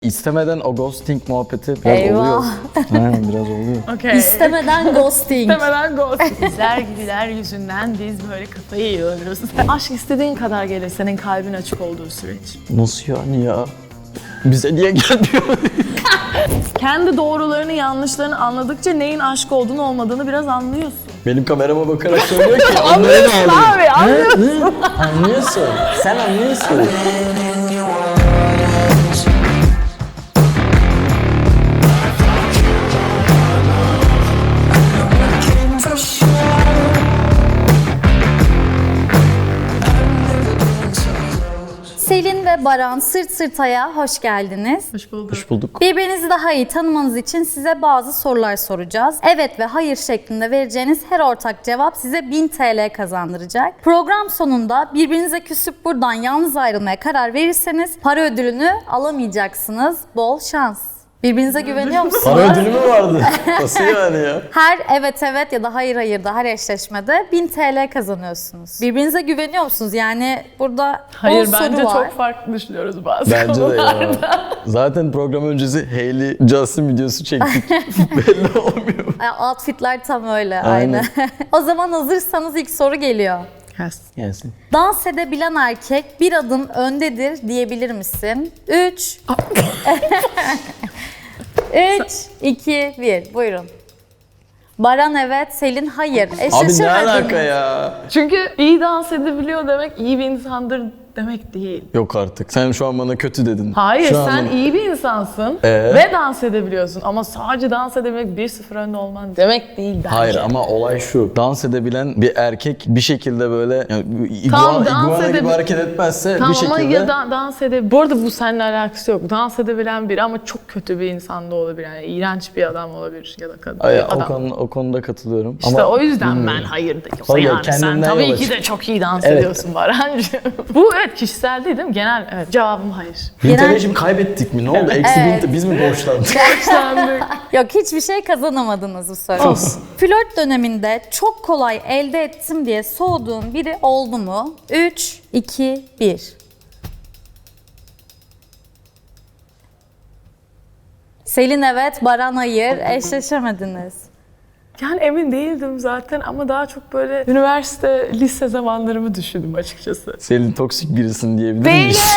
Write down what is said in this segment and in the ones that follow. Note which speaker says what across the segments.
Speaker 1: İstemeden o ghosting muhabbeti biraz
Speaker 2: Eyvah.
Speaker 1: oluyor. Aynen biraz oluyor.
Speaker 3: Okay.
Speaker 2: İstemeden ghosting.
Speaker 3: İstemeden ghost. Bizler gibiler yüzünden biz böyle kafayı yiyoruz. Aşk istediğin kadar gelir senin kalbin açık olduğu süreç.
Speaker 1: Nasıl yani ya? Bize niye gelmiyor?
Speaker 3: Kendi doğrularını yanlışlarını anladıkça neyin aşk olduğunu olmadığını biraz anlıyorsun.
Speaker 1: Benim kamerama bakarak söylüyor ki
Speaker 3: Anlıyorsun abi,
Speaker 1: anlıyorsun. Anlıyorsun. Sen anlıyorsun.
Speaker 2: Selin ve Baran Sırt Sırta'ya hoş geldiniz.
Speaker 3: Hoş bulduk.
Speaker 1: Hoş bulduk.
Speaker 2: Birbirinizi daha iyi tanımanız için size bazı sorular soracağız. Evet ve hayır şeklinde vereceğiniz her ortak cevap size 1000 TL kazandıracak. Program sonunda birbirinize küsüp buradan yalnız ayrılmaya karar verirseniz para ödülünü alamayacaksınız. Bol şans. Birbirinize güveniyor musunuz?
Speaker 1: Para ödülü mü vardı? Nasıl yani ya?
Speaker 2: Her evet evet ya da hayır hayırda her eşleşmede 1000 TL kazanıyorsunuz. Birbirinize güveniyor musunuz? Yani burada
Speaker 3: Hayır
Speaker 2: 10
Speaker 3: bence
Speaker 2: soru var.
Speaker 3: çok farklı düşünüyoruz bazı
Speaker 1: Bence de
Speaker 3: konularda.
Speaker 1: ya. Zaten program öncesi Hailey Justin videosu çektik. Belli olmuyor.
Speaker 2: Outfitler tam öyle
Speaker 1: Aynen.
Speaker 2: aynı. O zaman hazırsanız ilk soru geliyor.
Speaker 3: Yes.
Speaker 1: Gelsin.
Speaker 2: Dans edebilen erkek bir adım öndedir diyebilir misin? 3 3 2 1 buyurun. Baran evet, Selin hayır.
Speaker 1: Abi ne
Speaker 2: Eşleşemediniz.
Speaker 1: alaka ya?
Speaker 3: Çünkü iyi dans edebiliyor demek iyi bir insandır demek değil.
Speaker 1: Yok artık. Sen şu an bana kötü dedin.
Speaker 3: Hayır
Speaker 1: Şu an
Speaker 3: sen
Speaker 1: bana-
Speaker 3: iyi bir insansın ve dans edebiliyorsun ama sadece dans edebilmek 1-0 önde olman demek değil bence.
Speaker 1: Hayır ama olay şu. Dans edebilen bir erkek bir şekilde böyle yani
Speaker 3: Tamam,
Speaker 1: iguana gibi
Speaker 3: edebil-
Speaker 1: hareket etmezse
Speaker 3: Tamam
Speaker 1: bir şekilde...
Speaker 3: ama ya dans edebilir. Bu arada bu seninle alakası yok. Dans edebilen biri ama çok kötü bir insan da olabilir. Yani iğrenç bir adam olabilir ya da kadın.
Speaker 1: Ay,
Speaker 3: adam.
Speaker 1: o konuda katılıyorum.
Speaker 3: İşte
Speaker 1: Ama
Speaker 3: o yüzden
Speaker 1: bilmiyorum.
Speaker 3: ben hayır dedim.
Speaker 1: Hayır,
Speaker 3: Yani sen
Speaker 1: kendimden
Speaker 3: tabii
Speaker 1: yola
Speaker 3: ki de
Speaker 1: çık.
Speaker 3: çok iyi dans
Speaker 1: Evet.
Speaker 3: ediyorsun Barancığım. Bu evet kişisel değil mi? Genel evet. Cevabım hayır.
Speaker 1: 1000
Speaker 2: Genel-
Speaker 1: TL'yi şimdi kaybettik mi? Ne oldu? Eksi
Speaker 2: Evet.
Speaker 1: 1000 biz mi borçlandık?
Speaker 2: Yok hiçbir şey kazanamadınız bu soru. Flört döneminde çok kolay elde ettim diye soğuduğun biri oldu mu? 3 2 1 Selin evet, Baran hayır. Eşleşemediniz.
Speaker 3: Yani emin değildim zaten ama daha çok böyle üniversite, lise zamanlarımı düşündüm açıkçası.
Speaker 1: Selin toksik birisin diyebilir
Speaker 3: Değilim.
Speaker 1: miyiz?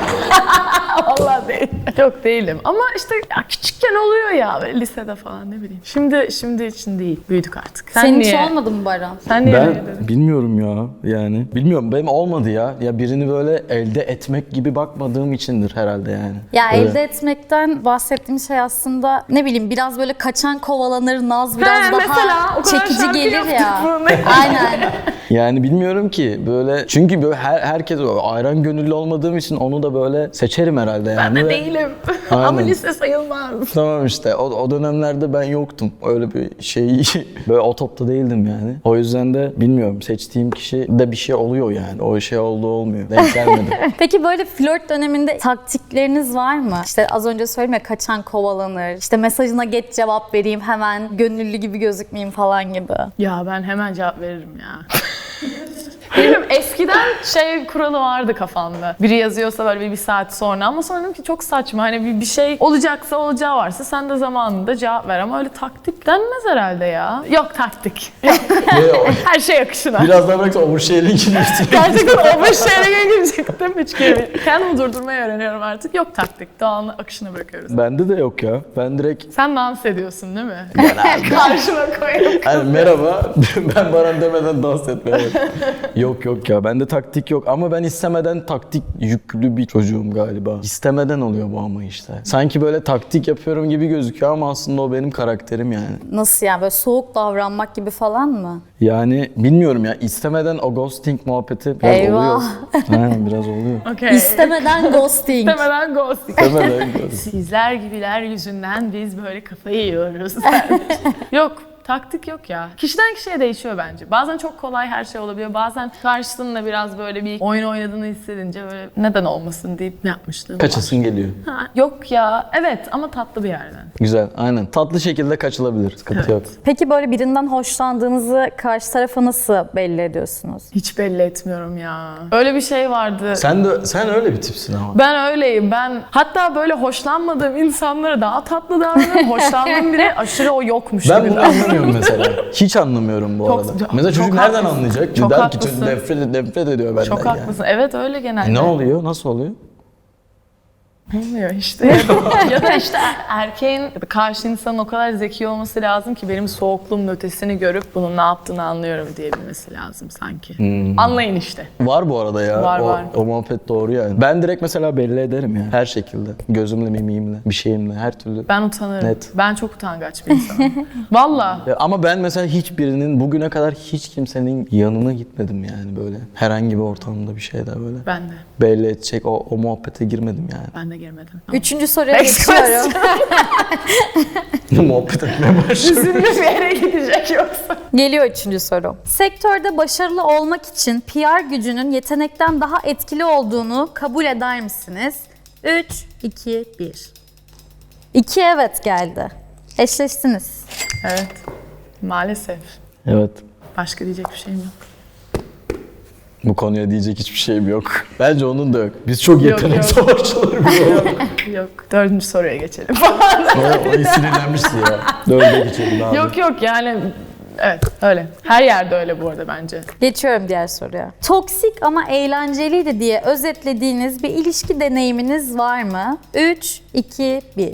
Speaker 3: Vallahi değilim. Yok değilim ama işte ya küçükken oluyor ya böyle lisede falan ne bileyim. Şimdi için değil. Büyüdük artık. Sen
Speaker 2: Senin
Speaker 3: niye?
Speaker 2: hiç olmadı mı Baran?
Speaker 3: Sen niye öyle
Speaker 1: Ben
Speaker 3: dedin?
Speaker 1: bilmiyorum ya yani. Bilmiyorum benim olmadı ya. Ya birini böyle elde etmek gibi bakmadığım içindir herhalde yani.
Speaker 2: Ya
Speaker 1: Öyle.
Speaker 2: elde etmekten bahsettiğim şey aslında ne bileyim biraz böyle kaçan kovalanır, naz biraz
Speaker 3: He,
Speaker 2: daha
Speaker 3: mesela o kadar
Speaker 2: çekici
Speaker 3: şarkı
Speaker 2: gelir
Speaker 3: yaptık
Speaker 2: ya.
Speaker 3: bunu.
Speaker 2: Aynen.
Speaker 1: Yani bilmiyorum ki böyle çünkü böyle herkes ayran gönüllü olmadığım için onu da böyle seçerim herhalde yani.
Speaker 3: Ben de
Speaker 1: Ve-
Speaker 3: değilim.
Speaker 1: Aynen.
Speaker 3: Ama lise sayılmaz.
Speaker 1: Tamam işte o dönemlerde ben yoktum. Öyle bir şey böyle o topta değildim yani. O yüzden de bilmiyorum seçtiğim kişi de bir şey oluyor yani. O şey olduğu olmuyor. Denk gelmedi.
Speaker 2: Peki böyle flört döneminde taktikleriniz var mı? İşte az önce söyledim ya kaçan kovalanır. İşte mesajına geç cevap vereyim hemen gönüllü gibi gözükmeyeyim falan gibi.
Speaker 3: Ya ben hemen cevap veririm ya. Bilmiyorum eskiden şey kuralı vardı kafamda. Biri yazıyorsa böyle bir saat sonra ama sonra dedim ki çok saçma. Hani bir şey olacaksa olacağı varsa sen de zamanında cevap ver ama öyle taktik denmez herhalde ya. Yok taktik. Yok. Her şey akışına.
Speaker 1: Biraz daha bıraksa oversharing'in üstüne.
Speaker 3: Gerçekten o başarıya girecektim hiç kere. Kendimi durdurmayı öğreniyorum artık. Yok taktik. Doğanın akışına bırakıyoruz.
Speaker 1: Bende de yok ya. Ben direkt
Speaker 3: Sen dans ediyorsun değil mi? Karşıma koyup.
Speaker 1: hani merhaba ben Baran demeden dans etmeye başladım. Yok ya bende taktik yok ama ben istemeden taktik yüklü bir çocuğum galiba. İstemeden oluyor bu ama işte. Sanki böyle taktik yapıyorum gibi gözüküyor ama aslında o benim karakterim yani.
Speaker 2: Nasıl yani böyle soğuk davranmak gibi falan mı?
Speaker 1: Yani bilmiyorum ya istemeden o ghosting muhabbeti biraz
Speaker 2: Eyvah.
Speaker 1: oluyor. Aynen biraz oluyor.
Speaker 3: Okay.
Speaker 2: İstemeden ghosting.
Speaker 3: İstemeden ghosting.
Speaker 1: İstemeden ghosting.
Speaker 3: Sizler gibiler yüzünden biz böyle kafayı yiyoruz. Yok Taktik yok ya. Kişiden kişiye değişiyor bence. Bazen çok kolay her şey olabiliyor. Bazen karşısında biraz böyle bir oyun oynadığını hissedince böyle neden olmasın deyip ne yapmışlığım var.
Speaker 1: Kaçasın geliyor.
Speaker 3: Ha, yok ya. Evet ama tatlı bir yerden.
Speaker 1: Güzel, aynen. Tatlı şekilde kaçılabilir. Sıkıntı yok.
Speaker 2: Peki böyle birinden hoşlandığınızı karşı tarafa nasıl belli ediyorsunuz?
Speaker 3: Hiç belli etmiyorum ya. Öyle bir şey vardı.
Speaker 1: Sen öyle bir tipsin ama.
Speaker 3: Ben öyleyim. Ben hatta böyle hoşlanmadığım insanlara daha tatlı davranıyorum. Hoşlandığım biri aşırı o yokmuş
Speaker 1: Ben
Speaker 3: gibi
Speaker 1: bunu anlamıyorum mesela. Hiç anlamıyorum bu
Speaker 3: Çok-
Speaker 1: arada.
Speaker 3: çok-
Speaker 1: Mesela çocuk
Speaker 3: çok
Speaker 1: nereden
Speaker 3: haklısın.
Speaker 1: anlayacak?
Speaker 3: Çok
Speaker 1: Der ki
Speaker 3: haklısın.
Speaker 1: çocuk nefret ediyor benden
Speaker 3: Çok
Speaker 1: yani.
Speaker 3: haklısın. Evet öyle genelde.
Speaker 1: Ne oluyor? Nasıl oluyor?
Speaker 3: Olmuyor işte. Ya da işte erkeğin karşı insanın o kadar zeki olması lazım ki benim soğukluğumun ötesini görüp bunun ne yaptığını anlıyorum diyebilmesi lazım sanki. Anlayın işte.
Speaker 1: Var bu arada ya.
Speaker 3: Var.
Speaker 1: O muhabbet doğru yani. Ben direkt mesela belli ederim ya. Her şekilde. Gözümle, mimiğimle, bir şeyimle, her türlü.
Speaker 3: Ben utanırım.
Speaker 1: Net.
Speaker 3: Ben çok utangaç bir insanım. Valla.
Speaker 1: Ya ama ben mesela hiçbirinin, bugüne kadar hiç kimsenin yanına gitmedim yani böyle. Herhangi bir ortamda bir şeyde böyle.
Speaker 3: Ben de.
Speaker 1: Belli edecek o muhabbete girmedim yani.
Speaker 3: Ben de girmedim.
Speaker 2: Üçüncü soruya
Speaker 3: Next
Speaker 2: geçiyorum.
Speaker 1: Muhabbet etmeye başladım.
Speaker 3: Üzümlü bir yere gidecek yoksa.
Speaker 2: Geliyor üçüncü soru. Sektörde başarılı olmak için PR gücünün yetenekten daha etkili olduğunu kabul eder misiniz? 3, 2, 1. 2 evet geldi. Eşleştiniz.
Speaker 3: Evet. Maalesef.
Speaker 1: Evet.
Speaker 3: Başka diyecek bir şeyim yok.
Speaker 1: Bu konuya diyecek hiçbir şeyim yok. Bence onun da yok. Biz çok yetenek
Speaker 3: yok.
Speaker 1: savaşçıları bir olduk.
Speaker 3: Yok. Dördüncü soruya geçelim.
Speaker 1: O sinirlenmişti ya. Dörde geçelim abi.
Speaker 3: yok yani evet öyle. Her yerde öyle bu arada bence.
Speaker 2: Geçiyorum diğer soruya. Toksik ama eğlenceliydi diye özetlediğiniz bir ilişki deneyiminiz var mı? 3, 2, 1.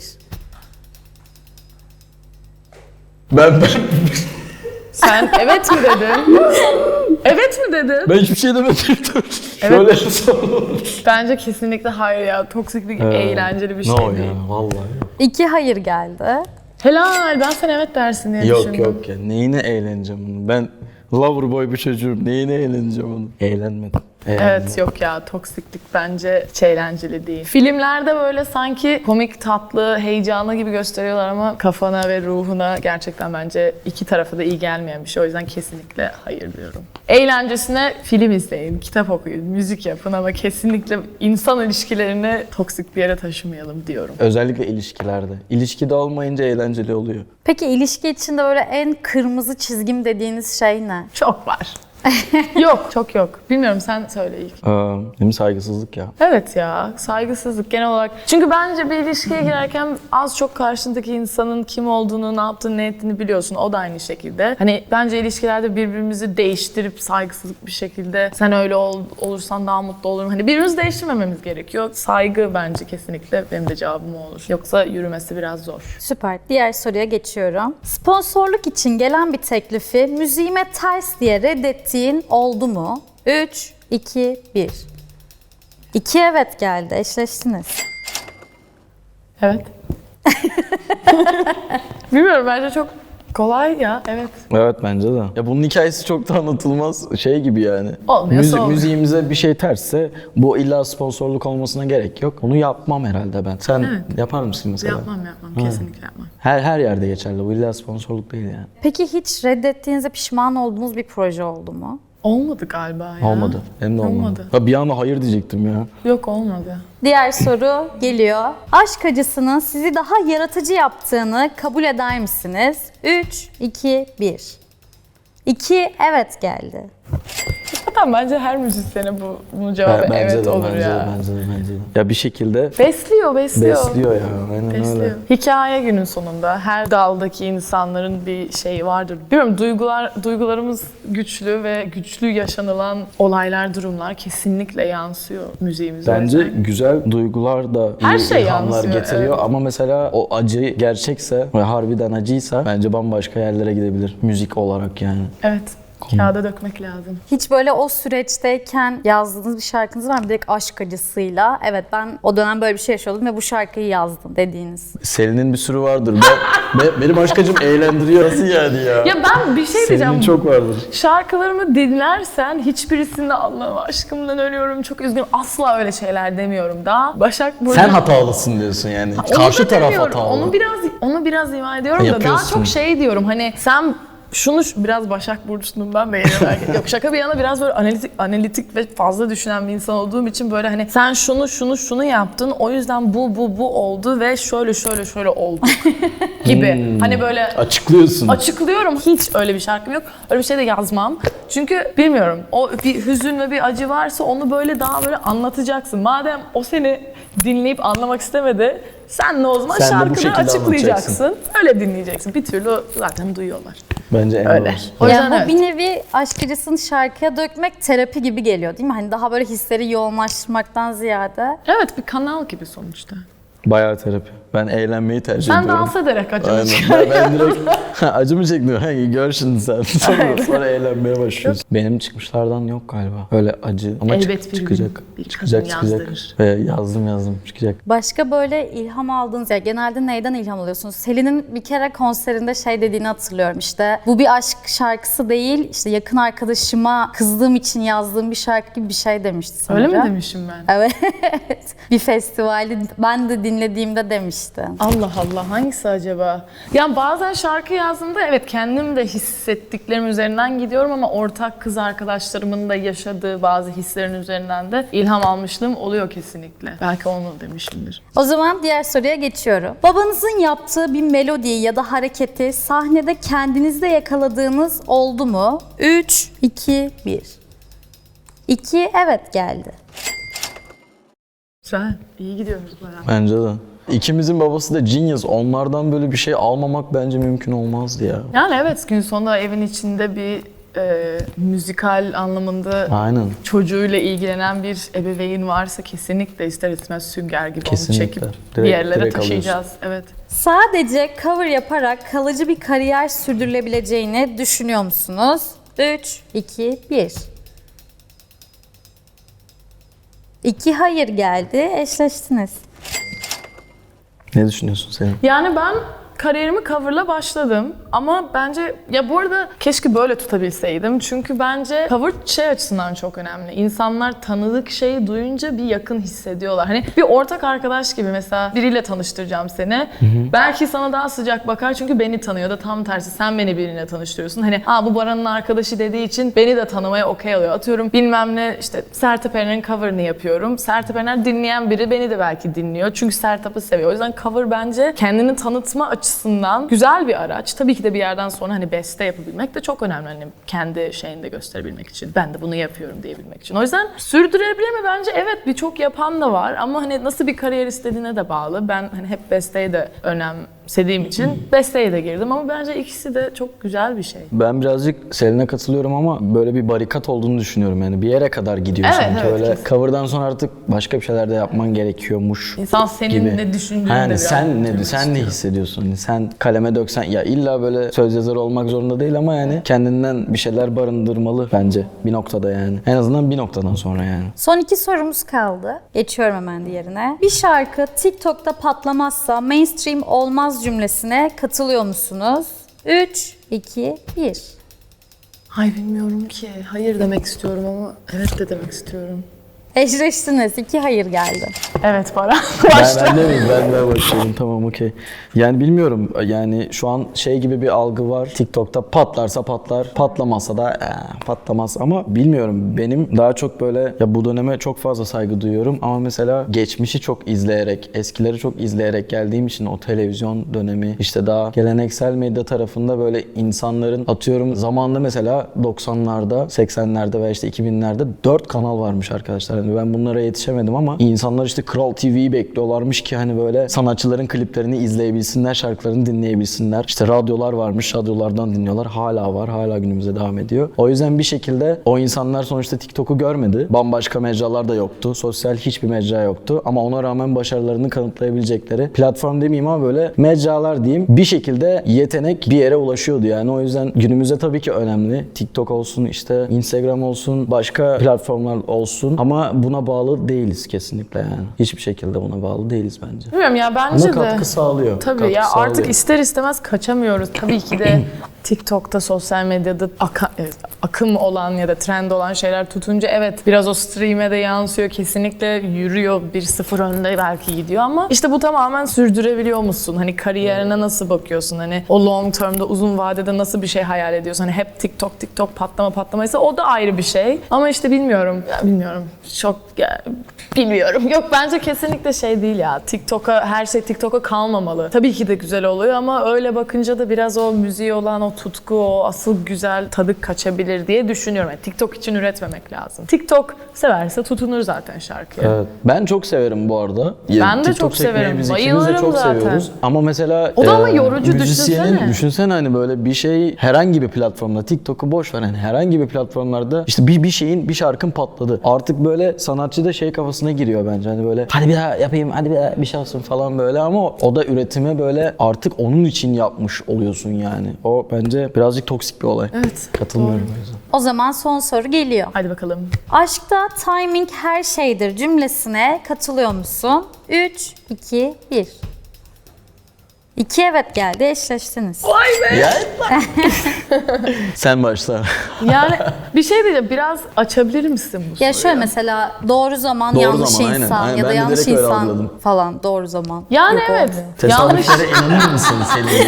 Speaker 1: Ben
Speaker 3: Sen evet mi dedin? Evet mi dedin?
Speaker 1: Ben hiçbir şey demedim.
Speaker 3: Evet.
Speaker 1: Şöyle sorun.
Speaker 3: Bence kesinlikle hayır ya. Toksiklik eğlenceli bir şey
Speaker 1: No
Speaker 3: değil.
Speaker 1: ya vallahi.
Speaker 2: 2 hayır geldi.
Speaker 3: Helal ben sen evet dersin diye düşündüm.
Speaker 1: Yok ya. Neyine eğleneceğim bunu? Ben lover boy bir çocuğum. Neyine eğleneceğim onu? Eğlenmedim.
Speaker 3: Evet yok ya toksiklik bence hiç eğlenceli değil. Filmlerde böyle sanki komik, tatlı, heyecanlı gibi gösteriyorlar ama kafana ve ruhuna gerçekten bence iki tarafa da iyi gelmeyen bir şey. O yüzden kesinlikle hayır diyorum. Eğlencesine film izleyin, kitap okuyun, müzik yapın ama kesinlikle insan ilişkilerini toksik bir yere taşımayalım diyorum.
Speaker 1: Özellikle ilişkilerde. İlişkide olmayınca eğlenceli oluyor.
Speaker 2: Peki ilişki içinde böyle en kırmızı çizgim dediğiniz şey ne?
Speaker 3: Çok var. Yok, çok yok. Bilmiyorum sen söyle ilk.
Speaker 1: Değil mi saygısızlık ya?
Speaker 3: Evet ya, saygısızlık genel olarak. Çünkü bence bir ilişkiye girerken az çok karşındaki insanın kim olduğunu, ne yaptığını, ne ettiğini biliyorsun. O da aynı şekilde. Hani bence ilişkilerde birbirimizi değiştirip saygısızlık bir şekilde sen öyle olursan daha mutlu olurum. Hani birbirimizi değiştirmememiz gerekiyor. Saygı bence kesinlikle benim de cevabım o olur. Yoksa yürümesi biraz zor.
Speaker 2: Süper. Diğer soruya geçiyorum. Sponsorluk için gelen bir teklifi müziğime ters diye reddettiğin oldu mu? 3, 2, 1. 2 evet geldi. Eşleştiniz.
Speaker 3: Evet. Bilmiyorum bence çok kolay ya. Evet.
Speaker 1: Evet bence de. Ya bunun hikayesi çok da anlatılmaz şey gibi yani.
Speaker 3: Olmuyorsa olmuyor.
Speaker 1: Müziğimize bir şey tersse bu illa sponsorluk olmasına gerek yok. Onu yapmam herhalde ben. Sen yapar mısın mesela?
Speaker 3: Yapmam kesinlikle yapmam.
Speaker 1: Her yerde geçerli. Bu illa sponsorluk değil yani.
Speaker 2: Peki hiç reddettiğinizde pişman olduğunuz bir proje oldu mu?
Speaker 3: Olmadı galiba ya.
Speaker 1: Olmadı. Hem de olmadı.
Speaker 3: Olmadı.
Speaker 1: Ha, bir anda hayır diyecektim ya.
Speaker 3: Yok olmadı.
Speaker 2: Diğer soru geliyor. Aşk acısının sizi daha yaratıcı yaptığını kabul eder misiniz? 3, 2, 1. 2 evet geldi.
Speaker 3: Zaten bence her müzisyene bunun cevabı evet olur ya.
Speaker 1: Bence de. Ya bir şekilde
Speaker 3: Besliyor.
Speaker 1: besliyor ya. Aynen öyle.
Speaker 3: Besliyor. Hikaye günün sonunda her daldaki insanların bir şeyi vardır. Bilmiyorum duygularımız güçlü ve güçlü yaşanılan olaylar, durumlar kesinlikle yansıyor müziğimize.
Speaker 1: Bence
Speaker 3: O yüzden
Speaker 1: güzel duygular da
Speaker 3: Her
Speaker 1: iyi
Speaker 3: şey
Speaker 1: ilhamlar
Speaker 3: yansıyor,
Speaker 1: getiriyor
Speaker 3: evet.
Speaker 1: ama mesela o acı gerçekse ve harbiden acıysa bence bambaşka yerlere gidebilir müzik olarak yani.
Speaker 3: evet. Kağıda dökmek lazım.
Speaker 2: Hiç böyle o süreçteyken yazdığınız bir şarkınız var mı? Direkt aşk acısıyla. Evet, ben o dönem böyle bir şey yaşıyordum ve bu şarkıyı yazdım dediğiniz.
Speaker 1: Selin'in bir sürü vardır. Benim aşkacım eğlendiriyor. Nasıl yani ya?
Speaker 3: Ya ben bir şey diyeceğim.
Speaker 1: Selin'in çok vardır.
Speaker 3: Şarkılarımı dinlersen hiçbirisinde Allah'ım aşkımdan ölüyorum, çok üzgünüm. Asla öyle şeyler demiyorum da. Başak burada...
Speaker 1: Sen hatalısın diyorsun yani.
Speaker 3: Onu
Speaker 1: Karşı
Speaker 3: da
Speaker 1: taraf
Speaker 3: demiyorum.
Speaker 1: hatalı.
Speaker 3: Onu biraz ima ediyorum da daha
Speaker 1: Yapıyorsun.
Speaker 3: çok şey diyorum, hani sen şunu biraz Başak Burcu'nun ben beğeniyorum. Yok, şaka bir yana biraz böyle analitik ve fazla düşünen bir insan olduğum için böyle hani sen şunu yaptın, o yüzden bu oldu ve şöyle oldu gibi. Hani böyle
Speaker 1: Açıklıyorsun.
Speaker 3: açıklıyorum. Hiç öyle bir şarkım yok. Öyle bir şey de yazmam. Çünkü bilmiyorum, o bir hüzün ve bir acı varsa onu böyle daha böyle anlatacaksın. Madem o seni dinleyip anlamak istemedi, sen de o zaman
Speaker 1: Sen de bu
Speaker 3: şarkıda
Speaker 1: şekilde
Speaker 3: açıklayacaksın. Öyle dinleyeceksin. Bir türlü zaten duyuyorlar.
Speaker 1: Bence en
Speaker 3: Öyle.
Speaker 1: doğrusu.
Speaker 3: O yüzden
Speaker 2: bu
Speaker 3: evet.
Speaker 2: bir nevi aşk acısını şarkıya dökmek terapi gibi geliyor değil mi? Hani daha böyle hisleri yoğunlaştırmaktan ziyade.
Speaker 3: Evet, bir kanal gibi sonuçta.
Speaker 1: Bayağı terapi. Ben eğlenmeyi tercih
Speaker 3: Sen
Speaker 1: ediyorum.
Speaker 3: dans ederek acını
Speaker 1: Aynen. Ben direkt acı mı çekmiyorum? Hangi gör şimdi sen. Sonra eğlenmeye başlıyorsun. Benim çıkmışlardan yok galiba. Öyle acı ama
Speaker 3: Elbet bir
Speaker 1: çıkacak.
Speaker 3: gün bir
Speaker 1: çıkacak.
Speaker 3: kadın yazdırır.
Speaker 1: Ve yazdım çıkacak.
Speaker 2: Başka böyle ilham aldığınız, ya genelde neyden ilham alıyorsunuz? Selin'in bir kere konserinde şey dediğini hatırlıyorum, işte bu bir aşk şarkısı değil, işte yakın arkadaşıma kızdığım için yazdığım bir şarkı gibi bir şey demişti sanırım.
Speaker 3: Öyle mi demişim ben?
Speaker 2: Evet. Bir festivali ben de dinlediğimde demişti.
Speaker 3: Allah Allah, hangisi acaba? Yani bazen şarkı yazdığımda evet kendim de hissettiklerim üzerinden gidiyorum ama ortak kız arkadaşlarımın da yaşadığı bazı hislerin üzerinden de ilham almışlığım oluyor kesinlikle. Belki onu demişimdir.
Speaker 2: O zaman diğer soruya geçiyorum. Babanızın yaptığı bir melodiyi ya da hareketi sahnede kendinizde yakaladığınız oldu mu? 3, 2, 1. 2 evet geldi.
Speaker 3: Güzel, iyi gidiyoruz bayağı.
Speaker 1: Bence de. İkimizin babası da genius. Onlardan böyle bir şey almamak bence mümkün olmazdı ya.
Speaker 3: Yani evet, gün sonunda evin içinde bir müzikal anlamında
Speaker 1: Aynen.
Speaker 3: çocuğuyla ilgilenen bir ebeveyn varsa kesinlikle ister istemez sünger gibi
Speaker 1: Kesinlikle.
Speaker 3: onu çekip bir
Speaker 1: Direkt-
Speaker 3: yerlere
Speaker 1: direkt
Speaker 3: taşıyacağız. Evet.
Speaker 2: Sadece cover yaparak kalıcı bir kariyer sürdürülebileceğini düşünüyor musunuz? 3, 2, 1. 2 hayır geldi. Eşleştiniz.
Speaker 1: Ne düşünüyorsun senin?
Speaker 3: Yani ben kariyerimi coverla başladım ama bence ya bu arada keşke böyle tutabilseydim çünkü bence cover şey açısından çok önemli. İnsanlar tanıdık şeyi duyunca bir yakın hissediyorlar. Hani bir ortak arkadaş gibi, mesela biriyle tanıştıracağım seni. Belki sana daha sıcak bakar çünkü beni tanıyor da tam tersi sen beni birine tanıştırıyorsun. Hani bu Baran'ın arkadaşı dediği için beni de tanımaya okey alıyor. Atıyorum bilmem ne, işte Sertab Erener'in cover'ını yapıyorum. Sertab Erener dinleyen biri beni de belki dinliyor. Çünkü Sertab'ı seviyor. O yüzden cover bence kendini tanıtma açısından güzel bir araç. Tabii ki de bir yerden sonra hani beste yapabilmek de çok önemli. Hani kendi şeyini de gösterebilmek için. Ben de bunu yapıyorum diyebilmek için. O yüzden sürdürebilir mi? Bence evet, birçok yapan da var ama hani nasıl bir kariyer istediğine de bağlı. Ben hani hep besteye de önemsediğim için besteye de girdim ama bence ikisi de çok güzel bir şey.
Speaker 1: Ben birazcık Selin'e katılıyorum ama böyle bir barikat olduğunu düşünüyorum yani. Bir yere kadar gidiyor
Speaker 3: Evet,
Speaker 1: sanki.
Speaker 3: evet,
Speaker 1: Öyle
Speaker 3: kesin.
Speaker 1: cover'dan sonra artık başka bir şeyler de yapman gerekiyormuş
Speaker 3: İnsan senin
Speaker 1: gibi.
Speaker 3: ne düşündüğünü de
Speaker 1: Yani
Speaker 3: biraz
Speaker 1: sen ne
Speaker 3: bilmek
Speaker 1: sen ne
Speaker 3: istiyor.
Speaker 1: hissediyorsun? Hani sen kaleme döksen ya illa böyle söz yazarı olmak zorunda değil ama yani kendinden bir şeyler barındırmalı bence bir noktada yani. En azından bir noktadan sonra yani.
Speaker 2: Son 2 sorumuz kaldı. Geçiyorum hemen diğerine. Bir şarkı TikTok'ta patlamazsa mainstream olmaz cümlesine katılıyor musunuz? 3, 2, 1.
Speaker 3: Ay bilmiyorum ki. Hayır demek istiyorum ama evet de demek istiyorum.
Speaker 2: Eşleştiniz. 2 hayır geldi.
Speaker 3: Evet Baran.
Speaker 1: Ben de miyim? Ben de başlıyorum. Tamam okey. Yani bilmiyorum. Yani şu an şey gibi bir algı var. TikTok'ta patlarsa patlar, patlamazsa da patlamaz. Ama bilmiyorum. Benim daha çok böyle ya bu döneme çok fazla saygı duyuyorum. Ama mesela geçmişi çok izleyerek, eskileri çok izleyerek geldiğim için o televizyon dönemi işte daha geleneksel medya tarafında böyle insanların atıyorum zamanında mesela 90'larda, 80'lerde veya işte 2000'lerde 4 kanal varmış arkadaşlar. yani ben bunlara yetişemedim ama insanlar işte Kral TV'yi bekliyorlarmış ki hani böyle sanatçıların kliplerini izleyebilsinler, şarkılarını dinleyebilsinler. İşte radyolar varmış, radyolardan dinliyorlar. Hala var, hala günümüze devam ediyor. O yüzden bir şekilde o insanlar sonuçta TikTok'u görmedi. Bambaşka mecralar da yoktu. Sosyal hiçbir mecra yoktu. Ama ona rağmen başarılarını kanıtlayabilecekleri platform demeyeyim ama böyle mecralar diyeyim. Bir şekilde yetenek bir yere ulaşıyordu yani. O yüzden günümüzde tabii ki önemli. TikTok olsun, işte Instagram olsun, başka platformlar olsun. Ama buna bağlı değiliz kesinlikle yani. Hiçbir şekilde buna bağlı değiliz bence.
Speaker 3: Bilmiyorum ya, bence
Speaker 1: Ama
Speaker 3: de.
Speaker 1: katkı sağlıyor.
Speaker 3: Tabii
Speaker 1: Katkı
Speaker 3: ya,
Speaker 1: sağlıyor.
Speaker 3: artık ister istemez kaçamıyoruz. Tabii ki de TikTok'ta, sosyal medyada akım olan ya da trend olan şeyler tutunca evet biraz o stream'e de yansıyor. Kesinlikle yürüyor. 1-0 önde belki gidiyor ama işte bu tamamen sürdürebiliyor musun? Hani kariyerine nasıl bakıyorsun? Hani o long term'da, uzun vadede nasıl bir şey hayal ediyorsun? Hani hep TikTok patlamaysa o da ayrı bir şey. Ama işte bilmiyorum. Çok bilmiyorum. Yok, bence kesinlikle şey değil ya. Her şey TikTok'a kalmamalı. Tabii ki de güzel oluyor ama öyle bakınca da biraz o müziğe olan o tutku, o asıl güzel tadı kaçabilir diye düşünüyorum. Yani TikTok için üretmemek lazım. TikTok severse tutunur zaten şarkıya.
Speaker 1: Evet. Ben çok severim bu arada.
Speaker 3: Ben de
Speaker 1: TikTok
Speaker 3: çok
Speaker 1: çekmeyi
Speaker 3: severim.
Speaker 1: Biz ikimiz de
Speaker 3: Bayılırım
Speaker 1: çok
Speaker 3: zaten.
Speaker 1: seviyoruz. Ama mesela
Speaker 3: O da ama yorucu,
Speaker 1: müzisyenin,
Speaker 3: düşünsene.
Speaker 1: hani böyle bir şey herhangi bir platformda, TikTok'u boş ver, hani herhangi bir platformlarda işte bir şarkın patladı. Artık böyle sanatçı da şey kafasına giriyor bence. Hani böyle hadi bir daha yapayım, hadi bir daha bir şey olsun falan böyle ama o da üretime böyle artık onun için yapmış oluyorsun yani. O bence birazcık toksik bir olay.
Speaker 3: Evet.
Speaker 1: Katılmıyorum o yüzden.
Speaker 2: O zaman son soru geliyor.
Speaker 3: Hadi bakalım.
Speaker 2: Aşkta timing her şeydir cümlesine katılıyor musun? 3, 2, 1. 2 evet geldi, eşleştiniz.
Speaker 1: Ya. Sen başla.
Speaker 3: Yani bir şey diyeceğim, biraz açabilir misin bu soruyu?
Speaker 2: Ya şöyle mesela doğru zaman
Speaker 1: Doğru
Speaker 2: yanlış
Speaker 1: zaman, aynen.
Speaker 2: insan
Speaker 1: Aynen,
Speaker 2: ya da
Speaker 1: ben de
Speaker 2: yanlış
Speaker 1: direkt öyle
Speaker 2: insan
Speaker 1: algıladım.
Speaker 2: falan doğru zaman.
Speaker 3: Yani
Speaker 2: Yok,
Speaker 3: evet.
Speaker 2: olmuyor.
Speaker 1: Tesadüflere inanır mısın Selin?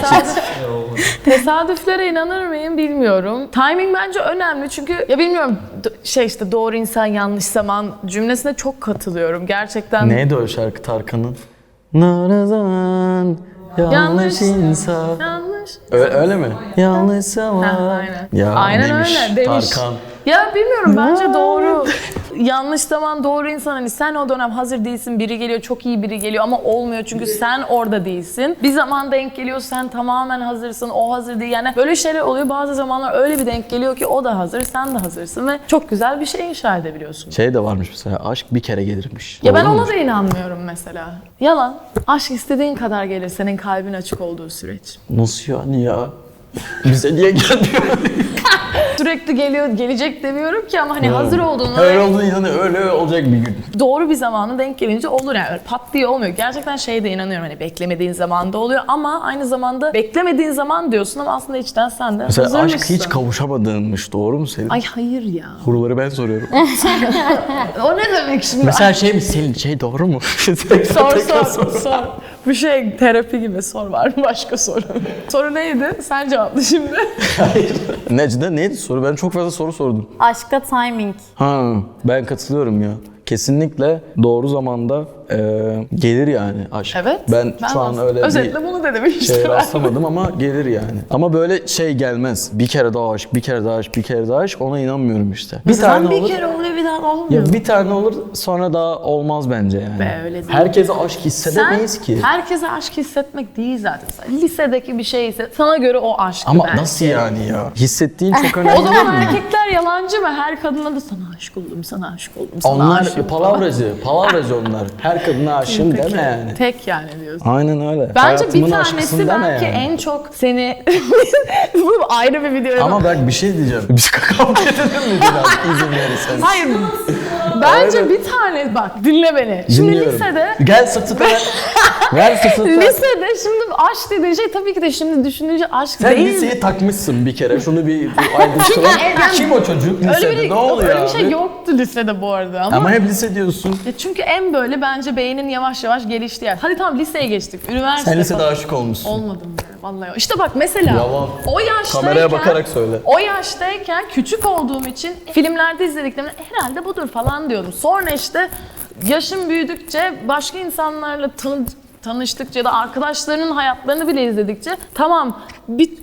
Speaker 3: Tesadüflere inanır mıyım bilmiyorum. Timing bence önemli çünkü ya bilmiyorum işte doğru insan yanlış zaman cümlesine çok katılıyorum. Gerçekten
Speaker 1: Neydi o şarkı Tarkan'ın? Doğru zaman yanlış insan.
Speaker 3: Yanlış.
Speaker 1: Öyle mi? Yanlış zaman.
Speaker 3: Aynen.
Speaker 1: Ya
Speaker 3: Aynen
Speaker 1: demiş,
Speaker 3: öyle demiş.
Speaker 1: Tarkan.
Speaker 3: Ya bilmiyorum, bence doğru. Yanlış zaman doğru insan, hani sen o dönem hazır değilsin, biri geliyor, çok iyi biri geliyor ama olmuyor çünkü sen orada değilsin. Bir zaman denk geliyor, sen tamamen hazırsın, o hazır değil. Yani böyle şeyler oluyor, bazı zamanlar öyle bir denk geliyor ki o da hazır, sen de hazırsın ve çok güzel bir şey inşa edebiliyorsun.
Speaker 1: Şey de varmış mesela, aşk bir kere gelirmiş.
Speaker 3: Ya ben
Speaker 1: Doğru
Speaker 3: ona
Speaker 1: mudur?
Speaker 3: da inanmıyorum mesela. Yalan. Aşk istediğin kadar gelir, senin kalbin açık olduğu süreç.
Speaker 1: Nasıl yani ya? Bize niye gelmiyor?
Speaker 3: Sürekli geliyor, gelecek demiyorum ki ama hani hazır olduğunu
Speaker 1: Öyle olduğunu inanıyor, öyle olacak bir gün.
Speaker 3: doğru bir zamanı denk gelince olur yani. Öyle pat diye olmuyor. Gerçekten şeye de inanıyorum, hani beklemediğin zamanda oluyor ama aynı zamanda beklemediğin zaman diyorsun ama aslında içten sen de
Speaker 1: Mesela
Speaker 3: hazırmışsın.
Speaker 1: aşk hiç kavuşamadığınmış, doğru mu Selin?
Speaker 3: Ay hayır ya.
Speaker 1: Soruları ben soruyorum.
Speaker 3: O ne demek şimdi?
Speaker 1: Mesela şey mi Selin, şey doğru mu?
Speaker 3: Sor. Bu şey terapi gibi, sor var mı başka soru? Soru neydi? Sen cevapla şimdi.
Speaker 1: Necde neydi soru? Ben çok fazla soru sordum.
Speaker 2: Aşkta timing.
Speaker 1: Ha, ben katılıyorum ya. Kesinlikle doğru zamanda gelir yani aşk.
Speaker 3: Evet.
Speaker 1: Ben şu an öyle
Speaker 3: özetle bunu dedim işte.
Speaker 1: şey rastlamadım ama gelir yani. Ama böyle şey gelmez. Bir kere daha aşk, bir kere daha aşk, bir kere daha aşk, ona inanmıyorum işte. Bir tane
Speaker 3: bir
Speaker 1: olur.
Speaker 3: kere oluyor, bir daha da olmuyor.
Speaker 1: Ya bir tane olur, sonra daha olmaz bence yani.
Speaker 3: Be, öyle değil.
Speaker 1: Herkese aşk hissedemeyiz ki.
Speaker 3: Herkese aşk hissetmek değil zaten. Lisedeki bir şey ise sana göre o aşk.
Speaker 1: Ama
Speaker 3: belki.
Speaker 1: nasıl yani ya? Hissettiğin çok önemli
Speaker 3: O zaman
Speaker 1: değil mi?
Speaker 3: erkekler yalancı mı? Her kadına da sana aşık oldum, sana aşık oldum, sana
Speaker 1: Onlar
Speaker 3: aşık
Speaker 1: palavracı onlar. Her kadına aşığım deme yani.
Speaker 3: Tek yani diyorsun.
Speaker 1: Aynen öyle.
Speaker 3: Bence
Speaker 1: Hayatımın
Speaker 3: bir
Speaker 1: aşkısın
Speaker 3: tanesi
Speaker 1: deme
Speaker 3: belki
Speaker 1: yani.
Speaker 3: en çok seni... Bu ayrı bir video.
Speaker 1: Ama bak bir şey diyeceğim. Biz kavga edelim mi biraz izin verirsen?
Speaker 3: Hayır. Bence
Speaker 1: Aynen.
Speaker 3: bir tane bak dinle beni. Şimdi
Speaker 1: Dinliyorum.
Speaker 3: lisede
Speaker 1: Gel sırtı ver. Ver sırtı ver.
Speaker 3: lisede şimdi aşk dediğin şey tabii ki de şimdi düşününce aşk
Speaker 1: Sen
Speaker 3: değil.
Speaker 1: liseyi takmışsın bir kere. Şunu bir ayrıştıralım. Kim o çocuk lisede?
Speaker 3: Öyle bir,
Speaker 1: ne oluyor
Speaker 3: öyle bir
Speaker 1: abi?
Speaker 3: şey yoktu lisede bu arada
Speaker 1: Ama hep lise diyorsun.
Speaker 3: Ya çünkü en böyle bence beynin yavaş yavaş geliştiği yer. Hadi tamam liseye geçtik. Üniversite
Speaker 1: Sen lisede
Speaker 3: falan.
Speaker 1: aşık olmuşsun.
Speaker 3: Olmadım ya vallahi. İşte bak mesela
Speaker 1: Yalan.
Speaker 3: o yaştayken
Speaker 1: Kameraya bakarak söyle.
Speaker 3: O yaştayken küçük olduğum için filmlerde izlediklerimde herhalde budur falan diyordum. Sonra işte yaşım büyüdükçe başka insanlarla tanıştıkça ya da arkadaşlarının hayatlarını bile izledikçe tamam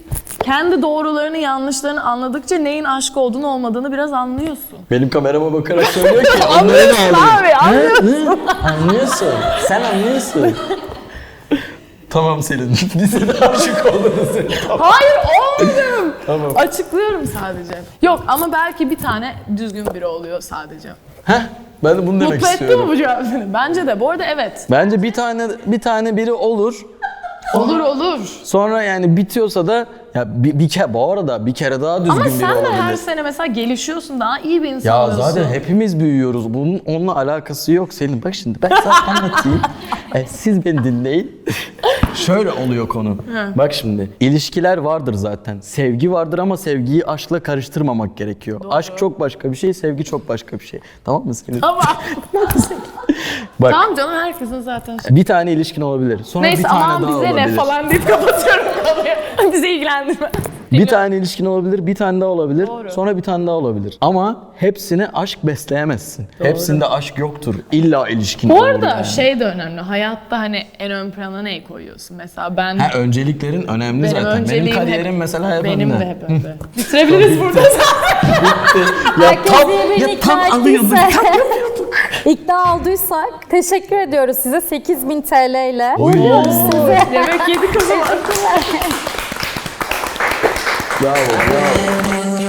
Speaker 3: kendi doğrularını, yanlışlarını anladıkça neyin aşk olduğunu olmadığını biraz anlıyorsun.
Speaker 1: Benim kamerama bakarak söylüyor ki onları da
Speaker 3: Anlıyorsun
Speaker 1: alayım.
Speaker 3: abi, anlıyorsun.
Speaker 1: Anlıyorsun. Sen anlıyorsun. Tamam Selin. Bize de aşık oldunuz. Tamam.
Speaker 3: Hayır olmadım.
Speaker 1: Tamam.
Speaker 3: Açıklıyorum sadece. Yok ama belki bir tane düzgün biri oluyor sadece.
Speaker 1: Heh, ben de bunu demek
Speaker 3: Mutlu etti
Speaker 1: istiyorum.
Speaker 3: mi bu cevap seni? Bence de. Bu arada evet.
Speaker 1: Bence bir tane biri olur.
Speaker 3: Olur olur.
Speaker 1: Sonra yani bitiyorsa da ya bir kere bu arada bir kere daha düzgün
Speaker 3: Ama
Speaker 1: biri
Speaker 3: sen de
Speaker 1: olabilir.
Speaker 3: her sene mesela gelişiyorsun, daha iyi bir insan
Speaker 1: Ya
Speaker 3: oluyorsun.
Speaker 1: zaten hepimiz büyüyoruz. Bunun onunla alakası yok Selin. Bak şimdi ben sana anlatayım. Siz beni dinleyin. Şöyle oluyor konu. Bak şimdi ilişkiler vardır zaten. Sevgi vardır ama sevgiyi aşkla karıştırmamak gerekiyor. Aşk çok başka bir şey, sevgi çok başka bir şey. Tamam mı Selin?
Speaker 3: Ama
Speaker 1: Bak
Speaker 3: tamam canım, herkesin zaten
Speaker 1: bir tane ilişkin olabilir. Sonra
Speaker 3: neyse
Speaker 1: bir tane
Speaker 3: aman
Speaker 1: daha
Speaker 3: bize
Speaker 1: olabilir.
Speaker 3: ne falan deyip kapatıyorum konuyu. Bize ilgilendirmez.
Speaker 1: Bir tane ilişkin olabilir, bir tane daha olabilir,
Speaker 3: Doğru.
Speaker 1: sonra bir tane daha olabilir. Ama hepsine aşk besleyemezsin. Hepsinde aşk yoktur. İlla ilişkin
Speaker 3: Bu
Speaker 1: olur
Speaker 3: arada
Speaker 1: yani.
Speaker 3: şey de önemli. Hayatta hani en ön plana neyi koyuyorsun? Mesela ben...
Speaker 1: Ha, önceliklerin önemli zaten. Benim
Speaker 3: önceliğim
Speaker 1: kariyerim mesela hep
Speaker 3: benim
Speaker 1: önde.
Speaker 3: de hep önde. Bitirebiliriz burada.
Speaker 2: Herkes birbirini ikna
Speaker 1: alıyorduk.
Speaker 2: ettiyse, ikna olduysak teşekkür ediyoruz size 8.000 TL ile.
Speaker 1: Oy.
Speaker 3: Yemek yedik o zaman.
Speaker 1: Bravo, bravo.